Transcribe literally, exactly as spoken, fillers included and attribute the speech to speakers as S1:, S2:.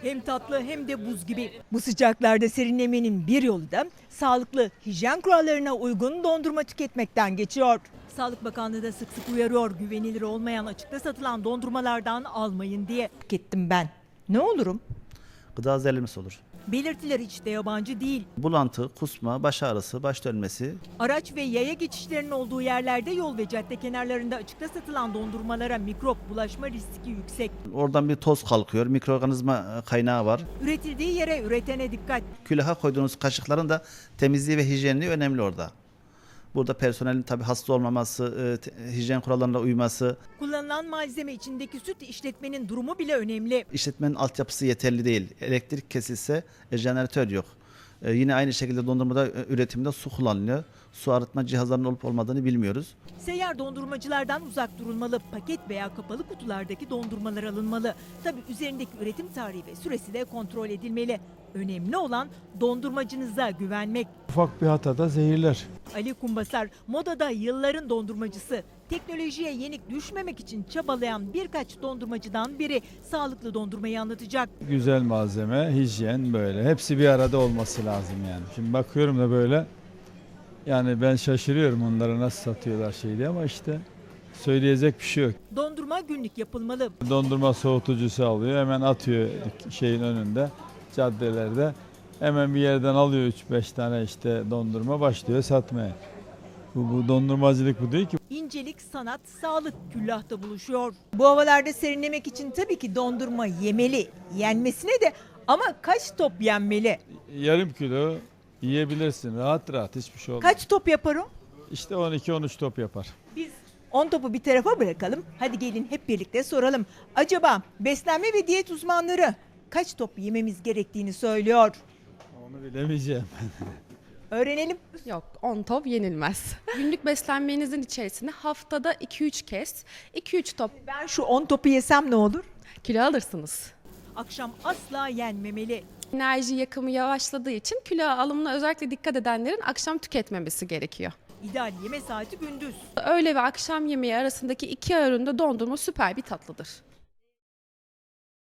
S1: Hem tatlı hem de buz gibi. Bu sıcaklarda serinlemenin bir yolu da sağlıklı hijyen kurallarına uygun dondurma tüketmekten geçiyor. Sağlık Bakanlığı da sık sık uyarıyor, güvenilir olmayan açıkta satılan dondurmalardan almayın diye. Tükettim ben. Ne olurum?
S2: Gıda zehirlenmesi olur.
S1: Belirtiler hiç de yabancı değil.
S2: Bulantı, kusma, baş ağrısı, baş dönmesi.
S1: Araç ve yaya geçişlerinin olduğu yerlerde yol ve cadde kenarlarında açıkta satılan dondurmalara mikrop bulaşma riski yüksek.
S2: Oradan bir toz kalkıyor, mikroorganizma kaynağı var.
S1: Üretildiği yere üretene dikkat.
S2: Külaha koyduğunuz kaşıkların da temizliği ve hijyenliği önemli orada. Burada personelin tabii hasta olmaması, e, hijyen kurallarına uyması,
S1: Kullanılan malzeme içindeki süt işletmenin durumu bile önemli.
S2: işletmenin altyapısı yeterli değil. Elektrik kesilse e, jeneratör yok. E, yine aynı şekilde dondurmada e, üretimde su kullanılıyor. Su arıtma cihazlarının olup olmadığını bilmiyoruz.
S1: Seyyar dondurmacılardan uzak durulmalı. Paket veya kapalı kutulardaki dondurmalar alınmalı. Tabii üzerindeki üretim tarihi ve süresi de kontrol edilmeli. Önemli olan dondurmacınıza güvenmek.
S3: Ufak bir hatada zehirler.
S1: Ali Kumbasar, modada yılların dondurmacısı. Teknolojiye yenik düşmemek için çabalayan birkaç dondurmacıdan biri sağlıklı dondurmayı anlatacak.
S3: Güzel malzeme, hijyen böyle. Hepsi bir arada olması lazım yani. Şimdi bakıyorum da böyle. Yani ben şaşırıyorum onlara nasıl satıyorlar şey diye ama işte söyleyecek bir şey yok.
S1: Dondurma günlük yapılmalı.
S3: Dondurma soğutucusu alıyor, hemen atıyor şeyin önünde, caddelerde. Hemen bir yerden alıyor üç beş tane işte dondurma, başlıyor satmaya. Bu, bu dondurmacılık bu değil ki.
S1: İncelik, sanat, sağlık küllahta buluşuyor. Bu havalarda serinlemek için tabii ki dondurma yemeli. Yenmesine de ama kaç top yenmeli?
S3: Yarım kilo yiyebilirsin rahat rahat, hiçbir şey olmaz.
S1: Kaç top yapar o?
S3: İşte on iki on üç top yapar.
S1: Biz on topu bir tarafa bırakalım. Hadi gelin hep birlikte soralım. Acaba beslenme ve diyet uzmanları kaç top yememiz gerektiğini söylüyor?
S3: Onu bilemeyeceğim.
S1: Öğrenelim.
S4: Yok, on top yenilmez. Günlük beslenmenizin içerisine haftada iki üç kez iki üç top
S1: Ben şu on topu yesem ne olur?
S4: kilo alırsınız.
S1: Akşam asla yenmemeli.
S4: Enerji yakımı yavaşladığı için kilo alımına özellikle dikkat edenlerin akşam tüketmemesi gerekiyor.
S1: İdeal yeme saati gündüz.
S4: Öğle ve akşam yemeği arasındaki iki öğünde dondurma süper bir tatlıdır.